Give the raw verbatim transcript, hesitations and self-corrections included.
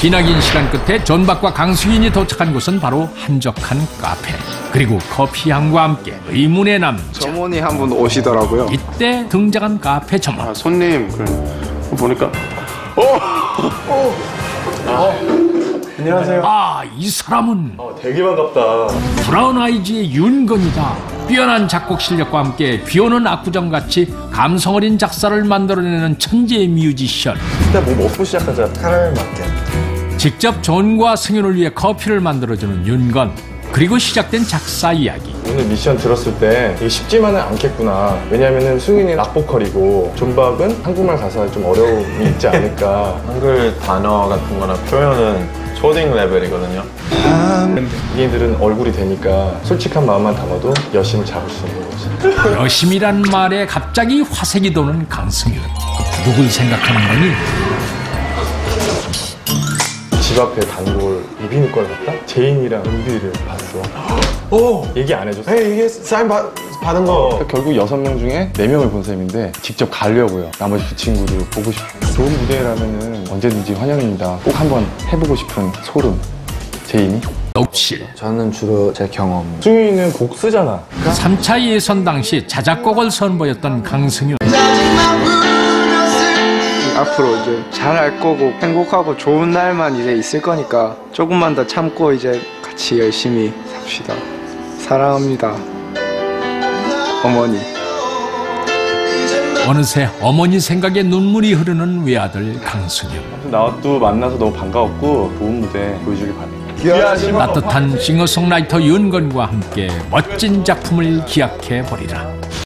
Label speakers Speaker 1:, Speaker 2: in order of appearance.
Speaker 1: 기나긴 시간 끝에 존박과 강수인이 도착한 곳은 바로 한적한 카페. 그리고 커피향과 함께 의문의 남자.
Speaker 2: 점원이 한 분 오시더라고요.
Speaker 1: 이때 등장한 카페 점원.
Speaker 3: 아, 손님 그래. 보니까 어! 어! 아, 안녕하세요.
Speaker 1: 아, 이 사람은
Speaker 3: 어, 되게 반갑다.
Speaker 1: 브라운 아이즈의 윤건이다. 뛰어난 작곡 실력과 함께 비오는 압구정같이 감성어린 작사를 만들어내는 천재 뮤지션.
Speaker 3: 일단 뭐 먹고 시작하자. 카라멜 마케.
Speaker 1: 직접 존과 승윤을 위해 커피를 만들어주는 윤건. 그리고 시작된 작사 이야기.
Speaker 3: 오늘 미션 들었을 때 이게 쉽지만은 않겠구나. 왜냐면은 승윤이는 락보컬이고 존박은 한국말 가사에 좀 어려움이 있지 않을까.
Speaker 4: 한글 단어 같은 거나 표현은 초딩 레벨이거든요.
Speaker 3: 얘들은 얼굴이 되니까 솔직한 마음만 담아도 여심을 잡을 수 있는 거지.
Speaker 1: 여심이란 말에 갑자기 화색이 도는 강승윤. 누굴 생각하는 거니?
Speaker 3: 집 앞에 단골 이비인후과를 갔다? 제인이랑 은비를 봤어. 오! 얘기 안 해줬어.
Speaker 4: 에이, 이게 사인 받, 받은 거.
Speaker 3: 결국 여섯 명 중에 네 명을 본 셈인데 직접 가려고요. 나머지 두 친구를 보고 싶어요. 좋은 무대라면 언제든지 환영입니다. 꼭 한번 해보고 싶은 소름. 제인이?
Speaker 1: 녹실.
Speaker 2: 저는 주로 제 경험.
Speaker 3: 승윤이는 곡 쓰잖아.
Speaker 1: 삼 차 예선 당시 자작곡을 선보였던 강승윤.
Speaker 2: 앞으로 이제 잘할 거고 행복하고 좋은 날만 이제 있을 거니까 조금만 더 참고 이제 같이 열심히 삽시다. 사랑합니다. 어머니.
Speaker 1: 어느새 어머니 생각에 눈물이 흐르는 외아들 강승윤.
Speaker 3: 나도 만나서 너무 반가웠고 좋은 무대 보여주길 바랍니다.
Speaker 1: 따뜻한 싱어송라이터 윤건과 함께 멋진 작품을 기약해 보리라.